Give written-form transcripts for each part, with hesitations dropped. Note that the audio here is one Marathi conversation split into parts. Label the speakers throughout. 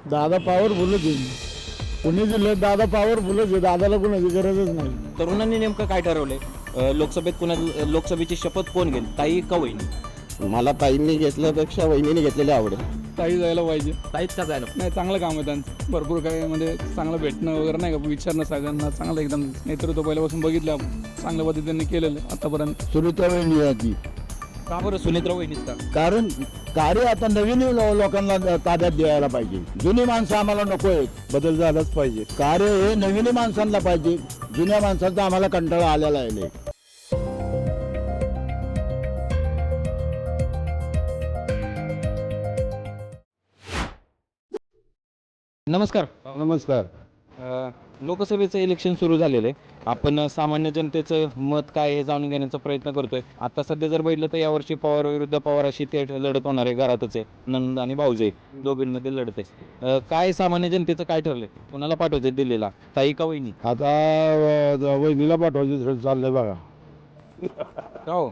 Speaker 1: दादा पॉवरफुलच आहे. पुणे जिल्ह्यात दादा पॉवरफुलच आहे. दादाला कोणाची गरजच नाही.
Speaker 2: तरुणांनी नेमकं काय ठरवलंय? लोकसभेत लोकसभेची शपथ कोण घेईल, ताई का वहिनी?
Speaker 3: मला ताईंनी घेतल्यापेक्षा वहिनीने घेतलेले आवडेल.
Speaker 1: ताई जायला पाहिजे.
Speaker 2: ताईच का जायला?
Speaker 1: नाही, चांगलं काम आहे त्यांचं. भरपूर काही म्हणजे चांगलं भेटणं वगैरे नाही का, विचारणं सगळ्यांना चांगलं एकदम नेतृत्व पहिल्यापासून बघितलं आपण. चांगल्या पद्धतीने केलेलं आहे आतापर्यंत. सुनीता वहिनी
Speaker 2: का बरं सुनेत्रा वहिनीच का?
Speaker 1: कारण कार्य आता नवीन लोकांना ताब्यात द्यायला पाहिजे. जुनी माणसं आम्हाला नको आहेत. बदल झालाच पाहिजे. कार्य हे नवीन माणसांना पाहिजे. जुन्या माणसांचा आम्हाला कंटाळा आलेला आहे.
Speaker 2: नमस्कार.
Speaker 1: नमस्कार.
Speaker 2: लोकसभेचं इलेक्शन सुरू झालेलं आहे. आपण सामान्य जनतेचं मत काय हे जाणून घेण्याचा प्रयत्न करतोय. आता सध्या जर बघितलं तर यावर्षी पवार विरुद्ध पवार अशी ते लढत होणार आहे. घरातच आहे, नंद आणि भाऊजे दोघींमध्ये लढत आहे. काय सामान्य जनतेचं काय ठरलंय? कोणाला पाठवायचं दिल्लीला, ताई का वहिनी?
Speaker 1: आता वहिनीला पाठवायचं चाललंय बघा.
Speaker 2: का हो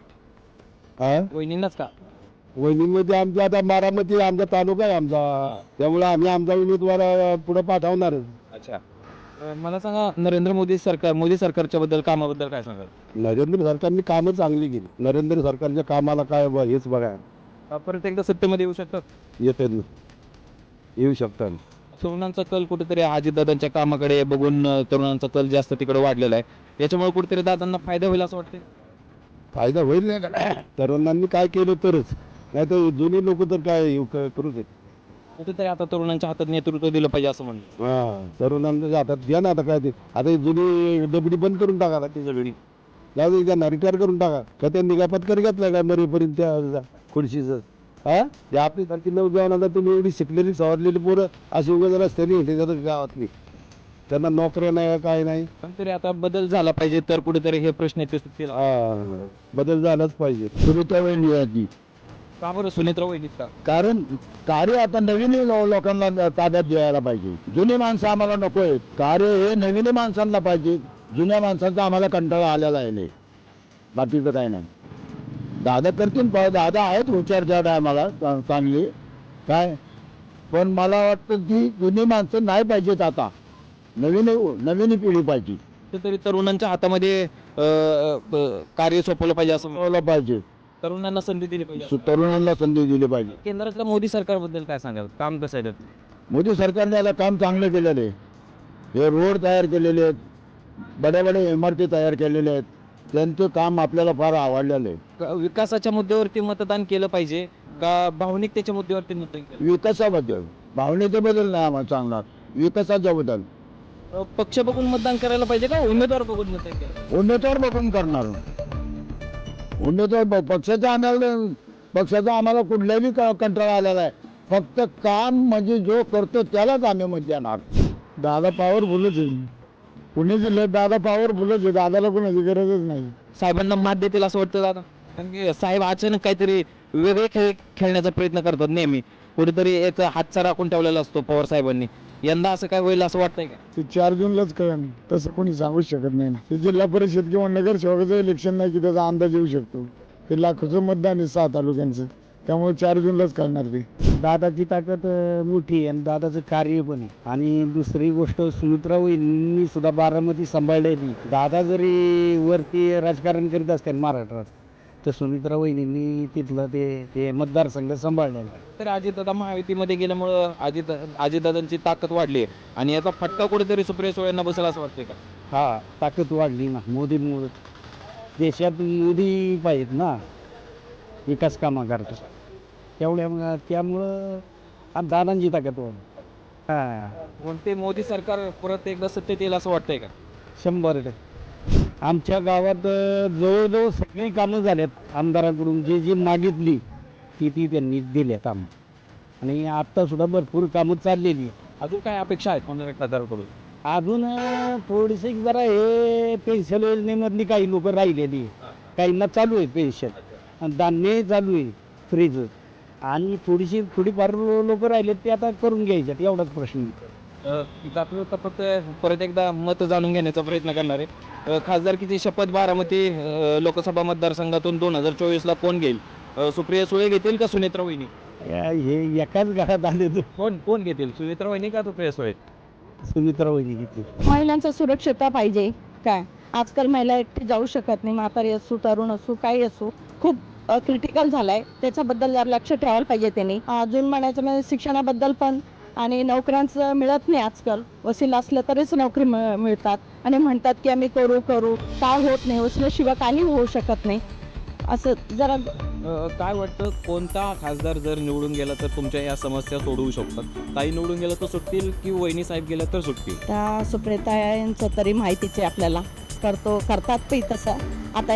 Speaker 1: हा,
Speaker 2: वहिनींनाच का?
Speaker 1: वहिनीमध्ये आमचा आता बारामती आमचा तालुका आहे आमचा, त्यामुळे आम्ही आमचा उमेदवार पुढे पाठवणारच.
Speaker 2: अच्छा. मला सांगा, मोदी सरकारच्या बद्दल, कामाबद्दल काय सांगाल?
Speaker 1: नरेंद्र सरकारने कामं चांगली केली. नरेंद्र सरकारच्या कामाला काय हेच बघा.
Speaker 2: परत एकदा सत्तेमध्ये येऊ शकतात?
Speaker 1: येते येऊ शकतात.
Speaker 2: तरुणांचा कल कुठेतरी अजितदादांच्या कामाकडे बघून तरुणांचा कल जास्त तिकडे वाढलेला आहे. याच्यामुळे कुठेतरी दादांना फायदा होईल असं वाटतं?
Speaker 1: फायदा होईल नाही का? तरुणांनी काय केलं तरच, नाही तर जुनी लोक तर काय करू देत.
Speaker 2: कुठेतरी आता तरुणांच्या हातात नेतृत्व दिलं पाहिजे असं म्हणलं.
Speaker 1: हा, तरुणांच्या हातात द्या ना. आता काय ते, आता ही जुनी डबडी बंद करून टाका ना. ती सगळी जाऊ त्यांना रिटायर करून टाका. का त्यांनी काय पत्कर घेतला काय मरेपर्यंत त्या खुर्शीचं? हा, ते आपली सारखी नवजवान आता तुम्ही एवढी शिकलेली सवरलेली पोरं अशी उगाच रस्त्याने येते जातात गावातली. त्यांना नोकऱ्या नाही काय नाही.
Speaker 2: पण तरी आता बदल झाला पाहिजे तर कुठेतरी हे प्रश्न येते सुटतील.
Speaker 1: हा, बदल झालाच पाहिजे. सुनीता वहिनी
Speaker 2: का बरं सुनेत्रा वहिनीच का?
Speaker 1: कारण कार्य आता नवीन लोकांना ताब्यात द्यायला पाहिजे. जुनी माणसं आम्हाला नको आहेत. कार्य हे नवीन माणसांना पाहिजे. जुन्या माणसांचा आम्हाला कंटाळा आलेला आहे. बाकीचं काय नाही. दादा करतील, दादा आहेत हुशार आम्हाला चांगली काय, पण मला वाटतं की जुनी माणसं नाही पाहिजेत. आता नवीन पिढी पाहिजे.
Speaker 2: कुठेतरी तरुणांच्या हातामध्ये कार्य सोपवलं पाहिजे असं
Speaker 1: पाहिजे.
Speaker 2: तरुणांना संधी दिली पाहिजे.
Speaker 1: तरुणांना संधी दिली पाहिजे.
Speaker 2: केंद्रातल्या मोदी सरकारबद्दल काय सांगाल? काम कसं आहे?
Speaker 1: मोदी सरकारने याला काम चांगलं केलेलं आहे. हे रोड तयार केलेले आहेत, बड्या इमारती तयार केलेल्या आहेत. त्यांचं काम आपल्याला फार आवडलेलं आहे.
Speaker 2: विकासाच्या मुद्द्यावरती मतदान केलं पाहिजे का भावनिकतेच्या मुद्द्यावरती मतदान केलं?
Speaker 1: विकासाबद्दल, भावनेच्या बद्दल नाही आम्हाला सांगणार, विकासाच्या बद्दल.
Speaker 2: पक्ष बघून मतदान करायला पाहिजे का उमेदवार बघून मतदान केलं?
Speaker 1: उमेदवार बघून करणार. उमेदवार पक्षाचा आम्हाला कुठल्याही कंटाळा आलेला आहे. फक्त काम म्हणजे जो करतो त्यालाच आम्ही मत देणार. दादा पॉवरफुलच आहे. पुणे जिल्ह्यात दादा पॉवरफुलच आहे. दादाला कोणाची गरजच नाही.
Speaker 2: साहेबांना मात देतील असं वाटतं दादा? कारण की साहेब अचानक काहीतरी वेगळे खेळ खेळण्याचा प्रयत्न करतात नेहमी. कुठेतरी एक हातचा राखून ठेवलेला असतो पवार साहेबांनी. यंदा असं काय होईल असं वाटतंय का?
Speaker 1: ते 4 जूनलाच कळेल. तसं कोणी सांगू शकत नाही ना. ते जिल्हा परिषद किंवा नगरसेवकाचं इलेक्शन नाही की त्याचा अंदाज येऊ शकतो. ते लाखोचं मतदान आहे 6 तालुक्यांचं, त्यामुळे 4 जूनलाच कळणार ते.
Speaker 4: दादाची ताकद मोठी आहे आणि दादाचं कार्य पण आहे. आणि दुसरी गोष्ट, सुमित्रा वहिनींनी सुद्धा बारामती सांभाळलेली. दादा जरी वरती राजकारण करीत असतील महाराष्ट्रात, तर सुमित्रा वहिनींनी तिथलं ते मतदारसंघ सांभाळलेला.
Speaker 2: तर अजितदादा महायुतीमध्ये गेल्यामुळं अजितदादांची ताकद वाढली आहे आणि याचा फटका कुठेतरी सुप्रिया सुळेंना बसेल असं वाटतंय का?
Speaker 4: हा, ताकद वाढली ना मोदींमुळे. देशात मोदी पाहिजेत ना विकास कामा करता, त्यामुळं दादांची ताकद वाढली. हा,
Speaker 2: कोणते मोदी सरकार परत एकदा सत्तेत येईल असं वाटतंय का?
Speaker 4: 100%. आमच्या गावात जवळजवळ सगळी कामं झाल्यात आमदाराकडून. जी मागितली ती त्यांनी दिल्यात आम्ही. आणि आत्तासुद्धा भरपूर कामं चाललेली आहेत.
Speaker 2: अजून काय अपेक्षा आहेत खासदाराकडून?
Speaker 4: अजून थोडीशी जरा हे पेन्शन योजनेमधली काही लोक राहिलेली, काहींना चालू आहे पेन्शन, धान्य चालू आहे फ्रीज, आणि थोडीफार लोक राहिलेत ते आता करून घ्यायच्यात, एवढाच प्रश्न.
Speaker 2: जातो तर फक्त परत एकदा मत जाणून घेण्याचा प्रयत्न करणार आहे. खासदारकीची शपथ बारामती लोकसभा मतदारसंघातून 2024ला कोण घेईल? सुप्रिया सुळे घेतील का सुनेत्रा वहिनी?
Speaker 4: हे एकाच घरात आले तर
Speaker 2: कोण घेतील, सुनेत्रा वहिनी का सुप्रिया सुळे?
Speaker 4: सुमित्रा वहिनी घेतली.
Speaker 5: महिलांचा सुरक्षितता पाहिजे. काय आजकाल महिला एकटी जाऊ शकत नाही, म्हातारी असो तरुण असो काही असो, खूप क्रिटिकल झालाय. त्याच्याबद्दल जरा लक्ष ठेवायला पाहिजे त्यांनी. अजून म्हणायचं म्हणजे शिक्षणाबद्दल पण, आणि नोकऱ्यांचं मिळत नाही आजकाल. वसील असलं तरीच नोकरी मिळतात आणि म्हणतात की आम्ही करू काय होत नाही, वसिल्याशिवाय काही होऊ शकत नाही. असं जरा
Speaker 2: काय वाटतं, कोणता खासदार जर निवडून गेला तर तुमच्या या समस्या सोडवू शकतात? ताई निवडून गेला तर सुटतील की वहिनी साहेब गेला तर सुटतील?
Speaker 5: त्या सुप्रियता यांचं तरी माहितीच आहे आपल्याला, करतात पण तसं. आता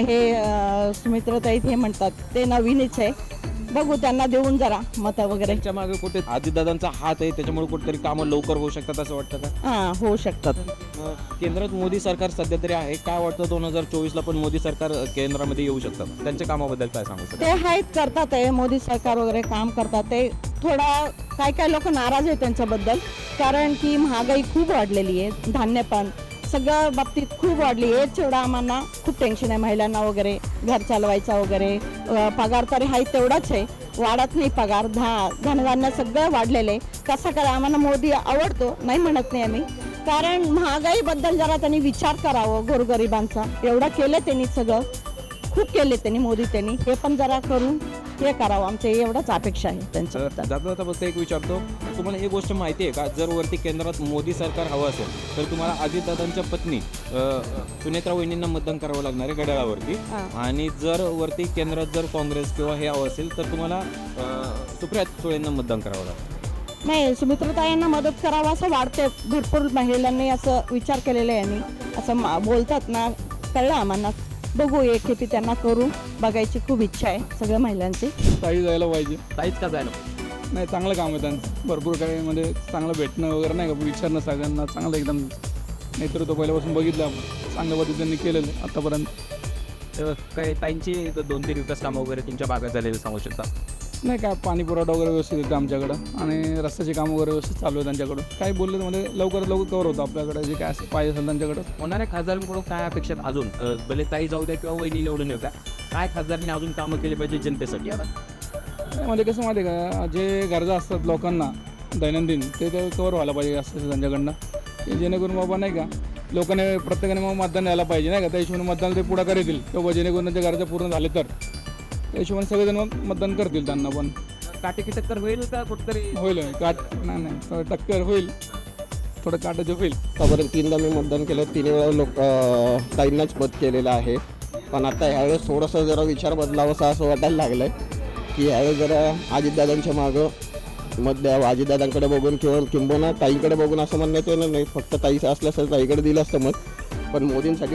Speaker 5: हे सुमित्राताई हे म्हणतात ते नवीनच आहे, बघू त्यांना देऊन जरा मतं वगैरे.
Speaker 2: त्यांच्या मागे कुठे अजितदादांचा हात आहे, त्याच्यामुळे कुठेतरी कामं लवकर होऊ शकतात असं वाटतं का?
Speaker 5: हां, होऊ शकतात.
Speaker 2: केंद्रात मोदी सरकार सध्या तरी आहे, काय वाटतं 2024ला पण मोदी सरकार केंद्रामध्ये येऊ शकतात? त्यांच्या कामाबद्दल काय सांगू शकता?
Speaker 5: ते आहेत, करतात आहे मोदी सरकार वगैरे काम करतात. ते थोडा काय लोक नाराज आहे त्यांच्याबद्दल, कारण की महागाई खूप वाढलेली आहे, धान्य पण सगळ्या बाबतीत खूप वाढली आहे. तेवढा आम्हाला खूप टेन्शन आहे महिलांना वगैरे, घर चालवायचा वगैरे. पगार तरी आहे तेवढाच आहे, वाढत नाही पगार. धनधान्य सगळं वाढलेलं आहे. कसं करा, आम्हाला मोदी आवडतो, नाही म्हणत नाही आम्ही, कारण महागाईबद्दल जरा त्यांनी विचार करावं गोरगरिबांचा. एवढं केलं त्यांनी, सगळं खूप केले त्यांनी, मोदी त्यांनी, हे पण जरा करून हे करावं, आमच्या एवढंच अपेक्षा आहे त्यांच्याबद्दल.
Speaker 2: जाता फक्त एक विचारतो, तुम्हाला एक गोष्ट माहिती आहे का, जर वरती केंद्रात मोदी सरकार हवं असेल तर तुम्हाला अजितदादांच्या पत्नी सुनेत्रा वहिनींना मतदान करावं लागणार आहे घड्याळावरती, आणि जर वरती केंद्रात जर काँग्रेस किंवा हे हवं असेल तर तुम्हाला सुप्रिया सुळेंना मतदान करावं लागतं.
Speaker 5: नाही, सुमित्राताईंना मदत करावं असं वाटते. भरपूर महिलांनी असं विचार केलेला आहे, यांनी असं बोलतात ना, कळलं आम्हाला. बघू, एक खेपी त्यांना करू बघायची खूप इच्छा आहे सगळ्या महिलांची.
Speaker 6: ताई जायला पाहिजे.
Speaker 2: ताईच का जायला?
Speaker 6: नाही, चांगलं काम आहे त्यांचं, भरपूर काही म्हणजे चांगलं भेटणं वगैरे नाही का, विचारणं सगळ्यांना चांगलं एकदम नेतृत्व पहिल्यापासून बघितलं आपण, चांगल्या पद्धतीने केलेलं आहे आत्तापर्यंत.
Speaker 2: काय ताईंची 2-3 विकास कामं वगैरे तुमच्या भागात झालेले सांगू शकता?
Speaker 6: नाही, काय पाणी पुरवठा वगैरे व्यवस्थित येतं आमच्याकडं, आणि रस्त्याची कामं वगैरे व्यवस्थित चालू आहे त्यांच्याकडं. काही बोलले तर म्हणजे लवकरात लवकर कवर होतं आपल्याकडे, जे काय पाहिजे असेल त्यांच्याकडं.
Speaker 2: होणाऱ्या खासदारांकडून काय अपेक्षित अजून, भले ताई जाऊ द्या किंवा वहिनी निवडून येऊ द्या, काय खासदारांनी अजून कामं केली पाहिजे जनतेसाठी?
Speaker 6: म्हणजे कसं माहिती आहे का, जे गरजा असतात लोकांना दैनंदिन, ते कवर व्हायला पाहिजे असं त्यांच्याकडनं, की जेणेकरून बाबा नाही का, लोकांनी प्रत्येकाने मग मतदान द्यायला पाहिजे नाही का, त्या हिशोबाने मतदान ते पुढाकार येतील किंवा जेणेकरून त्यांच्या गरजा पूर्ण झाले तर त्या हिशोबाने सगळेजण मग मतदान करतील त्यांना. पण
Speaker 2: काटेकी टक्कर होईल का कुठतरी?
Speaker 6: होईल, नाही टक्कर होईल, थोडं काटाचं होईल.
Speaker 3: आतापर्यंत 3दा मी मतदान केलं, 3 वेळा ताईंनाच मत केलेलं आहे. पण आता ह्यावेळेस थोडंसं जरा विचार बदलावासा असं वाटायला लागलं आहे, की ह्यावेळेस जरा अजितदादांच्या मागं मत द्यावं, अजितदादांकडे बघून किंवा किंबहुना ताईकडे बघून असं म्हणण्यात येणार नाही. फक्त ताईचं असलं असं ताईकडे दिलं असतं मत, पण मोदींसाठी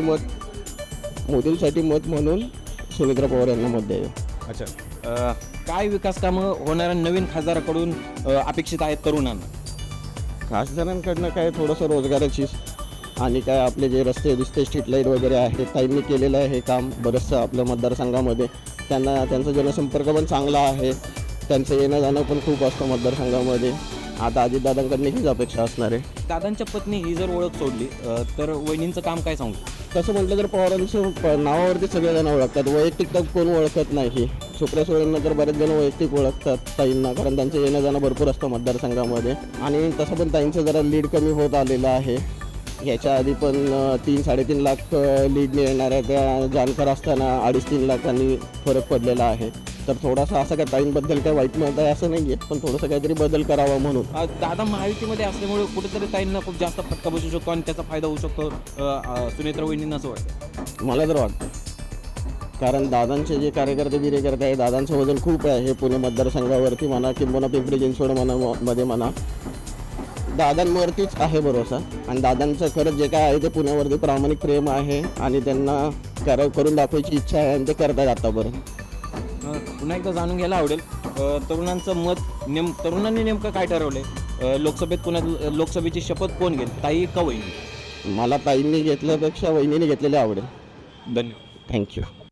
Speaker 3: मत म्हणून सुमित्रा पवार यांना मत द्यावं.
Speaker 2: अच्छा, काय विकास कामं होणाऱ्या नवीन खासदाराकडून अपेक्षित आहेत तरुणांना?
Speaker 3: खासदारांकडनं काय थोडंसं रोजगाराची, आणि काय आपले जे रस्ते स्ट्रीट लाईट वगैरे आहे, ताईंनी केलेलं आहे हे काम बरंचसं आपल्या मतदारसंघामध्ये. त्यांचा जनसंपर्क पण चांगला आहे, त्यांचं येणं जाणं पण खूप असतं मतदारसंघामध्ये. आता अजितदादांकडनं हीच अपेक्षा असणार आहे.
Speaker 2: दादांच्या पत्नी ही जर ओळख सोडली तर वहिनींचं काम काय सांगू?
Speaker 3: तसं म्हटलं तर पवारांचं नावावरती सगळेजण ओळखतात, वैयक्तिक तर कोण ओळखत नाही. सुप्रिया सुळेंना तर बरेच जण वैयक्तिक ओळखतात ताईंना, कारण त्यांचं येणं जाणं भरपूर असतं मतदारसंघामध्ये. आणि तसं पण ताईंचं जरा लीड कमी होत आलेलं आहे. ह्याच्या आधी पण 3-3.5 लाख लीडने येणाऱ्या त्या जानकर असताना 2.5-3 लाखांनी फरक पडलेला आहे. तर थोडासा असं काय ताईंबद्दल काय वाईट मत आहे असं नाही आहे, पण थोडंसं काहीतरी बदल करावा म्हणून.
Speaker 2: दादा महायुतीमध्ये असल्यामुळे कुठेतरी ताईंना खूप जास्त फटका बसू शकतो आणि त्याचा फायदा होऊ शकतो सुनेत्रा वहिनींना, असं वाटतं?
Speaker 3: मला तर वाटतं, कारण दादांचे जे कार्यकर्ते बिरेकर्ते आहे, दादांचं वजन खूप आहे. हे पुणे मतदारसंघावरती म्हणा किंवा पिंपरी चिंचवड मध्ये म्हणा, दादांवरतीच आहे भरोसा. आणि दादांचं खरंच जे काय आहे ते पुण्यावरती प्रामाणिक प्रेम आहे, आणि त्यांना करून दाखवायची इच्छा आहे, आणि ते करतात आतापर्यंत.
Speaker 2: पुन्हा एकदा जाणून घ्यायला आवडेल, तरुणांचं मत तरुणांनी नेमकं काय ठरवलंय? लोकसभेची शपथ कोण घेईल, ताई का वहिनी?
Speaker 3: मला ताईंनी घेतल्यापेक्षा वहिनीने घेतलेले आवडेल.
Speaker 2: धन्यवाद.
Speaker 3: थँक्यू.